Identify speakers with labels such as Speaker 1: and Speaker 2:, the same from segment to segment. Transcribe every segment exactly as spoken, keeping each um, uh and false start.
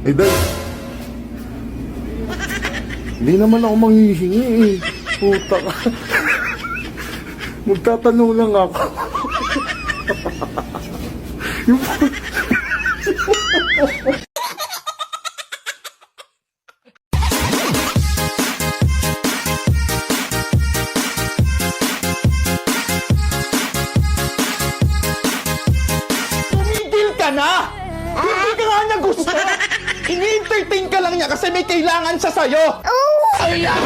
Speaker 1: Eh, dahil... Hindi naman ako manghihingi eh. Puta ka. Magtatanong lang ako. Yung...
Speaker 2: Tumigil ka na! Hindi ka nga niya gusto! Ini-entertain ka lang niya kasi may kailangan siya sa'yo! Oh! Ayan!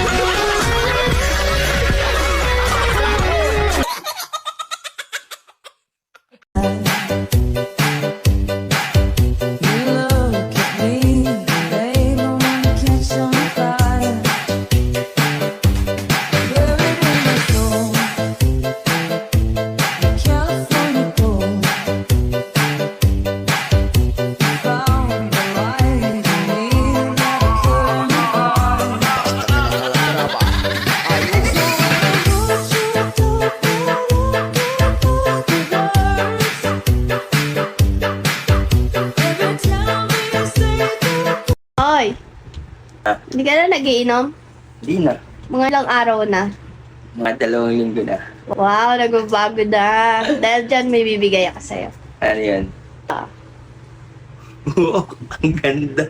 Speaker 3: Hoy, hindi ka na nagiinom?
Speaker 4: Di na.
Speaker 3: Mga ilang araw na.
Speaker 4: Mga dalawang linggo na.
Speaker 3: Wow, nagbabago na. Dahil dyan may bibigay ako sa'yo.
Speaker 4: Ano yan?
Speaker 3: Ah.
Speaker 4: Wow, ang ganda.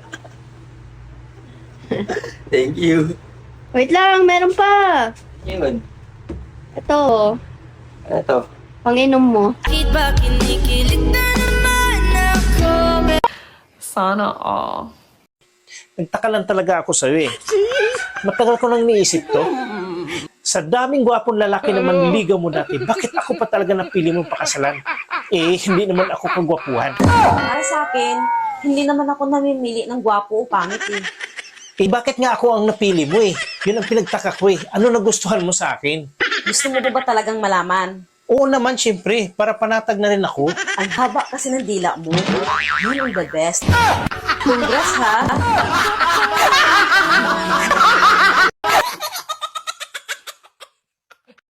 Speaker 4: Thank you.
Speaker 3: Wait lang, meron pa.
Speaker 4: Yun.
Speaker 3: Ito,
Speaker 4: Ano to?
Speaker 3: panginom mo.
Speaker 5: Sana all.
Speaker 6: Nagtaka lang talaga ako sa'yo eh. Matagal ko nang niisip to. Sa daming gwapong lalaki na manliligaw mo dati, bakit ako pa talaga napili mong pakasalan? Eh, hindi naman ako kagwapuhan.
Speaker 7: Para sa akin, hindi naman ako namimili ng gwapo o pangit eh.
Speaker 6: Eh, bakit nga ako ang napili mo eh? Yun ang pinagtaka ko eh. Ano nagustuhan mo sa akin?
Speaker 7: Gusto mo ba ba talagang malaman?
Speaker 6: Oo naman, syempre. Para panatag na rin ako.
Speaker 7: Ang haba kasi ng dila mo. Yun ang the best. Congrats ha!